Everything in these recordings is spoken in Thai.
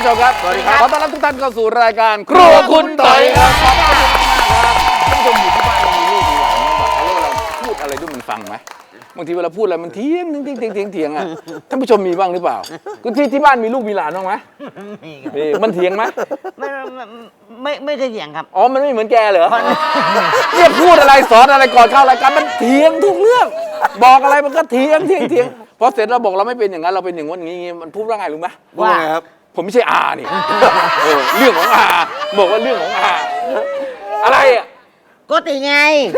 ผู้ชมครับสวัสดีครับขอต้อนรับทุกท่านเข้าสู่รายการครัวคุณต่อยครับขอบคุณมากครับท่านผู้ชมอยู่ที่บ้านมีลูกมีหลานเราพูดอะไรด้วยมันฟังไหมบางทีเวลาพูดอะไรมันเถียงอ่ะท่านผู้ชมมีบ้างหรือเปล่าคุณที่บ้านมีลูกมีหลานบ้างไหมมีมันเถียงไหมไม่เคยเถียงครับอ๋อมันไม่เหมือนแกเหรอเนี่ยพูดอะไรสอนอะไรก่อนเข้ารายการมันเถียงทุกเรื่องบอกอะไรมันก็เถียงพอเสร็จเราบอกเราไม่เป็นอย่างนั้นเราเป็นอย่างนี้มันพูดว่าไงรู้ไหมว่าไงครับผมไม่ใช่อานี่เรื่องของอาบอกว่าเรื่องของอาอะไรอ่ะก็ติไง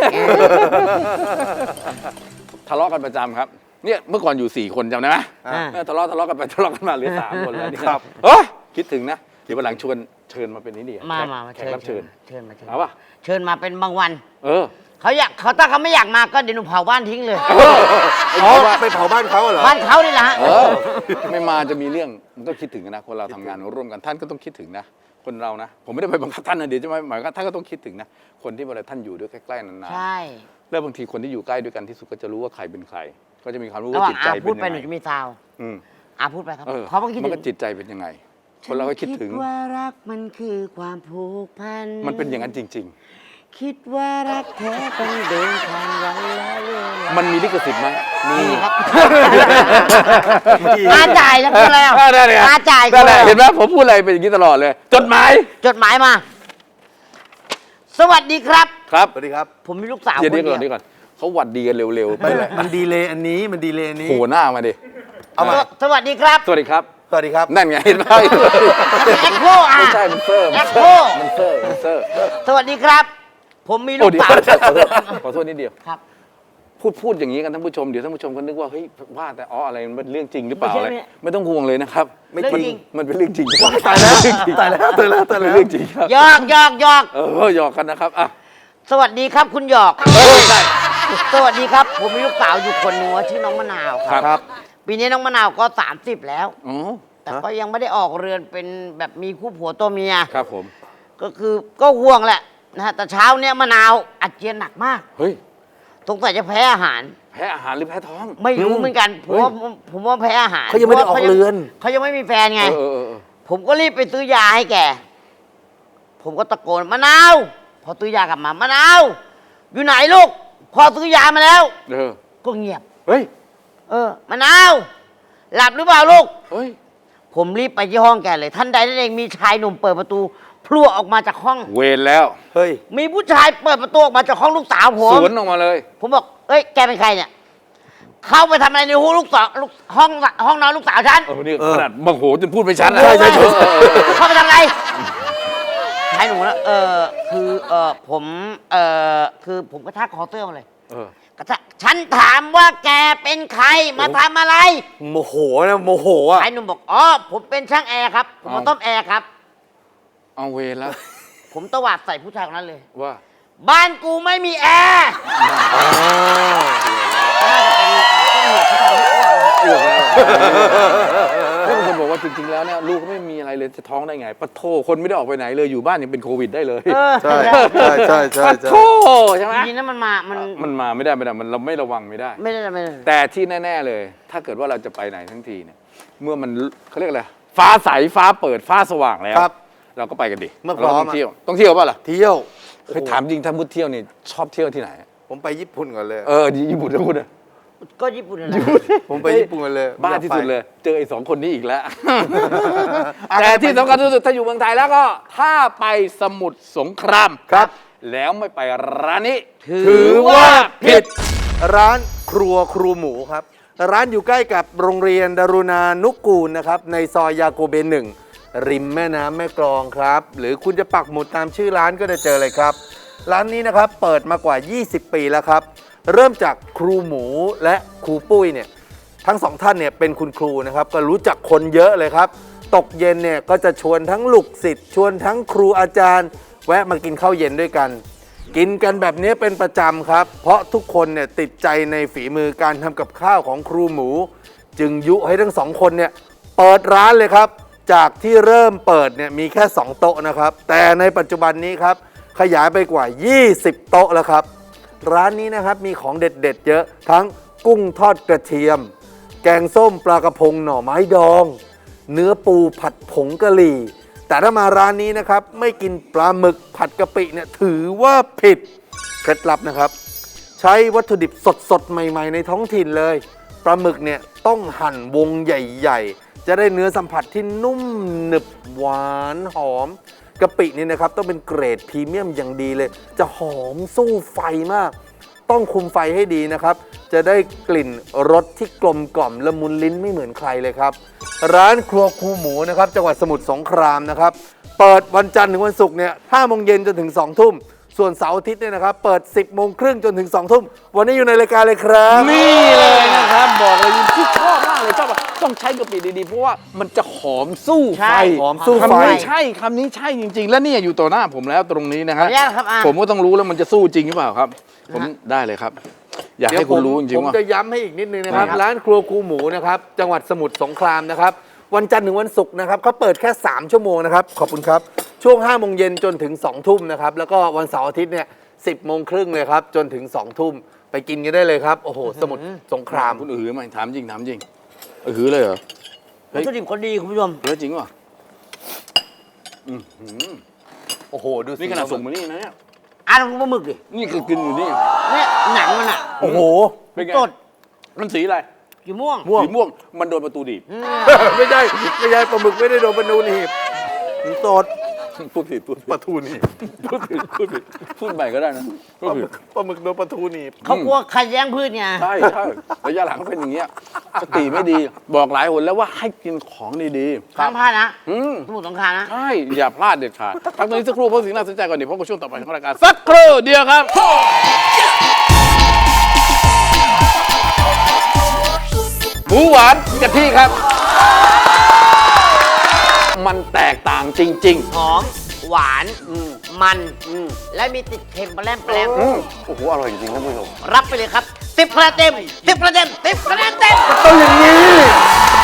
ทะเลาะกันประจำครับเนี่ยเมื่อก่อนอยู่4 คนจำได้ไหมทะเลาะกันไปทะเลาะกันมาเหลือ3 คนแล้วนี่ครับคิดถึงนะเดี๋ยววันหลังเชิญมาเป็นนี่ดีมาแขกรับเชิญเอาป่ะเชิญมาเป็นบางวันเขาถ้าเขาไม่อยากมาก็เดี๋ยวหนูเผาบ้านทิ้งเลยไปเผาบ้านเขาเหรอบ้านเขานี่แหละฮะไม่มาจะมีเรื่องมันก็คิดถึงนะคนเราทำงานร่วมกันท่านก็ต้องคิดถึงนะคนเรานะผมไม่ได้ไปบังคับท่านนะเดี๋ยวจะหมายว่าท่านก็ต้องคิดถึงนะคนที่เวลาท่านอยู่ด้วยใกล้ๆนานๆใช่แล้วบางทีคนที่อยู่ใกล้ด้วยกันที่สุดก็จะรู้ว่าใครเป็นใครก็จะมีความรู้ว่าจิตใจเป็นยังไงพูดไปหนูจะมีซาวพูดไปครับเพราะมันก็จิตใจเป็นยังไงคนเราก็คิดถึงว่ารักมันคือความผูกพันมันเป็นอย่างนั้นจริงๆคิดว่ารักแท้ต้องเดินทางวันละเวลามันมีลิขสิทธิ์ไหมมีครับมาจ่ายแล้วพูดแล้วมาจ่ายเห็นไหมผมพูดอะไรเป็นอย่างนี้ตลอดเลยจดหมายมาสวัสดีครับครับสวัสดีครับผมมีลูกสาวคนเดียวก่อนเขาหวัดดีกันเร็วๆไปเลยมันดีเลยอันนี้โผล่หน้ามาดิเอามาสวัสดีครับสวัสดีครับสวัสดีครับนั่นไงเห็นไหมแอคโคไม่ใช่มันเซอร์สวัสดีครับผมมีลูกสาวขอโทษนิดเดียวครับพูดอย่างนี้กันท่านผู้ชมเดี๋ยวท่านผู้ชมก็นึกว่าเฮ้ยว่าแต่อะไรมันเป็นเรื่องจริงหรือเปล่าอะไรไม่ต้องห่วงเลยนะครับไม่จริงมันเป็นเรื่องจริงตายแล้วเป็นเรื่องจริงครับหยอกหยอกกันนะครับสวัสดีครับคุณหยอกสวัสดีครับผมมีลูกสาวอยู่คนหนึ่งชื่อน้องมะนาวครับปีนี้น้องมะนาวก็30แล้วแต่ก็ยังไม่ได้ออกเรือนเป็นแบบมีคู่ผัวตัวเมียครับผมก็ห่วงแหละนะฮะแต่เช้าเนี้ยมะนาวอาเจียนหนักมากเฮ้ยสงสัยจะแพ้อาหารหรือแพ้ท้องไม่รู้เหมือนกันผมว่าแพ้อาหารเขายังไม่ได้ออกเรือนเขายังไม่มีแฟนไงผมก็รีบไปซื้อยาให้แกผมก็ตะโกนมะนาวพอซื้อยากลับมามะนาวอยู่ไหนลูกพอซื้อยามาแล้วก็เงียบเฮ้ยมะนาวหลับหรือเปล่าลูกเฮ้ยผมรีบไปที่ห้องแกเลยท่านใดนั่นเองมีชายหนุ่มเปิดประตูพลั่วออกมาจากห้องเวรแล้วเฮ้ยมีผู้ชายเปิดประตูออกมาจากห้องลูกสาวผมสวนออกมาเลยผมบอกเอ้ยแกเป็นใครเนี่ยเข้าไปทำอะไรในห้องห้องนอนลูกสาวฉันนี่ขนาดโมโหจนพูดไปชัดใช่เข้าไปทำอะไรชายหนุ่มนะผมกระชากคอเสื้อมาเลยกระชากฉันถามว่าแกเป็นใครมาทำอะไรโมโหอ่ะชายหนุ่มบอกผมเป็นช่างแอร์ครับผมมาต้มแอร์ครับเอาเวรแล้วผมตวาดใส่ผู้ชายคนนั้นเลยว่าบ้านกูไม่มีแอร์แล้วบางคนบอกว่าจริงๆแล้วเนี่ยลูกก็ไม่มีอะไรเลยจะท้องได้ไงปะโถคนไม่ได้ออกไปไหนเลยอยู่บ้านยังเป็นโควิดได้เลยใช่ปะโถใช่ไหมทีนั้นมันมาไม่ได้มันเราไม่ระวังไม่ได้แต่ที่แน่ๆเลยถ้าเกิดว่าเราจะไปไหนทั้งทีเนี่ยเมื่อมันเขาเรียกอะไรฟ้าใสฟ้าเปิดฟ้าสว่างแล้วเราก็ไปกันดิเมื่อพร้อมต้องเที่ยวป่ะล่ะเที่ยวเคยถามจริงถ้ามุดเที่ยวนี่ชอบเที่ยวที่ไหนผมไปญี่ปุ่นก่อนเลยญี่ปุ่นทั้งหมดเลยก็ญี่ปุ่นอะไรผมไปญี่ปุ่นกันเลยบ้าที่สุดเลยเจอไอ้2 คนนี้อีกแล้วแต่ที่สำคัญที่สุดถ้าอยู่เมืองไทยแล้วก็ถ้าไปสมุทรสงครามครับแล้วไม่ไปร้านนี้ถือว่าผิดร้านครัวครูหมูครับร้านอยู่ใกล้กับโรงเรียนดารุณานุกูลนะครับในซอยยาโกเบน1ริมแม่น้ำแม่กลองครับหรือคุณจะปักหมุดตามชื่อร้านก็จะเจอเลยครับร้านนี้นะครับเปิดมากว่า20 ปีแล้วครับเริ่มจากครูหมูและครูปุ้ยเนี่ยทั้ง2ท่านเนี่ยเป็นคุณครูนะครับก็รู้จักคนเยอะเลยครับตกเย็นเนี่ยก็จะชวนทั้งลูกศิษย์ชวนทั้งครูอาจารย์แวะมากินข้าวเย็นด้วยกันกินกันแบบนี้เป็นประจำครับเพราะทุกคนเนี่ยติดใจในฝีมือการทำกับข้าวของครูหมูจึงยุให้ทั้ง2 คนเนี่ยเปิดร้านเลยครับจากที่เริ่มเปิดเนี่ยมีแค่2 โต๊ะนะครับแต่ในปัจจุบันนี้ครับขยายไปกว่า20 โต๊ะแล้วครับร้านนี้นะครับมีของเด็ดๆเยอะทั้งกุ้งทอดกระเทียมแกงส้มปลากระพงหน่อไม้ดองเนื้อปูผัดผงกะหรี่ แต่ถ้ามาร้านนี้นะครับไม่กินปลาหมึกผัดกะปิเนี่ยถือว่าผิดเคล็ดลับนะครับ ใช้วัตถุดิบสดๆ ใหม่ๆ ในท้องถิ่นเลยปลาหมึกเนี่ยต้องหั่นวงใหญ่ๆ จะได้เนื้อสัมผัสที่นุ่มหนึบหวานหอมกะปินี่นะครับต้องเป็นเกรดพรีเมียมอย่างดีเลย จะหอมสู้ไฟมาก ต้องคุมไฟให้ดีนะครับ จะได้กลิ่นรสที่กลมกล่อมละมุนลิ้นไม่เหมือนใครเลยครับ ร้านครัวครูหมูนะครับจังหวัดสมุทรสงครามนะครับเปิดวันจันทร์ถึงวันศุกร์เนี่ย5 โมงเย็นจนถึง2 ทุ่มส่วนเสาร์อาทิตย์เนี่ยนะครับเปิด 10 โมงครึ่งจนถึง2 ทุ่มวันนี้อยู่ในรายการเลยครับนี่เลยนะครับบอกเลยที่ชอบมากเลยชอบอะต้องใช้กะปิดีๆเพราะว่ามันจะหอมสู้ไฟใช่หอมสู้ไฟคำนี้ใช่คำนี้ใช่จริงๆ และเนี่ยอยู่ต่อหน้าผมแล้วตรงนี้นะขอฮะอนุญาตครับอาผมก็ต้องรู้แล้วมันจะสู้จริงหรือเปล่าครับ ผมได้เลยครับ อยากให้คุณรู้จริงผมๆว่าจะย้ำให้อีกนิดนึงนะครับครับร้านครัวครูหมูนะครับจังหวัดสมุทรสงครามนะครับวันจันทร์ถึงวันศุกร์นะครับเขาเปิดแค่3 ชั่วโมงนะครับขอบคุณครับช่วง5 โมงเย็นจนถึง2 ทุ่มนะครับแล้วก็วันเสาร์อาทิตย์เนี่ย10 โมงครึ่งเลยครับจนถึง2 ทุ่มไปกินกันได้เลยครับโอ้โหสมุทรสงครามคุณอือไหมถามจริงถามจริงอือเลยเหรอวัตถุดิบคนดีคุณผู้ชมเออจริงป่ะโอ้โหดูสินี่ขนาดส่งมานี่นะเนี่ยอ่านปลาหมึกดินี่คือกินอยู่นี่เนี่ยหนังมันอ่ะโอ้โหเป็นไงสดมันสีอะไรสีม่วงม่วงสีม่วงมันโดนประตูดีบไม่ใช่ปลาหมึกไม่ได้โดนปลานูนหีบสดพูดผิดปลาทูหนีบพูดผิดพูดใหม่ก็ได้นะพูดผิดปลาหมึกโดนปลาทูหนีบเขากลัวขัดแย้งพืชไงใช่ระยะหลังเป็นอย่างเงี้ยสติไม่ดีบอกหลายหนแล้วว่าให้กินของดีข้ามพลาดนะๆอืมสมุทรสงครามนะใช่อย่าพลาดเด็ดขาดพักตรงนี้สักครู่เพราะสิ่งน่าสนใจก่อนเดี๋ยวพบกับช่วงต่อไปของรายการสักครู่เดียวครับ หมูหวานกะทิครับ มันแตกต่างจริงหอม หวาน มัน และมีติดเค็มแปรมๆโอ้โห อร่อยจริงๆท่านผู้ชมรับไปเลยครับ10 คะแนนเต็ม10 คะแนนเต็ม10 คะแนนเต็มต้องอย่างนี้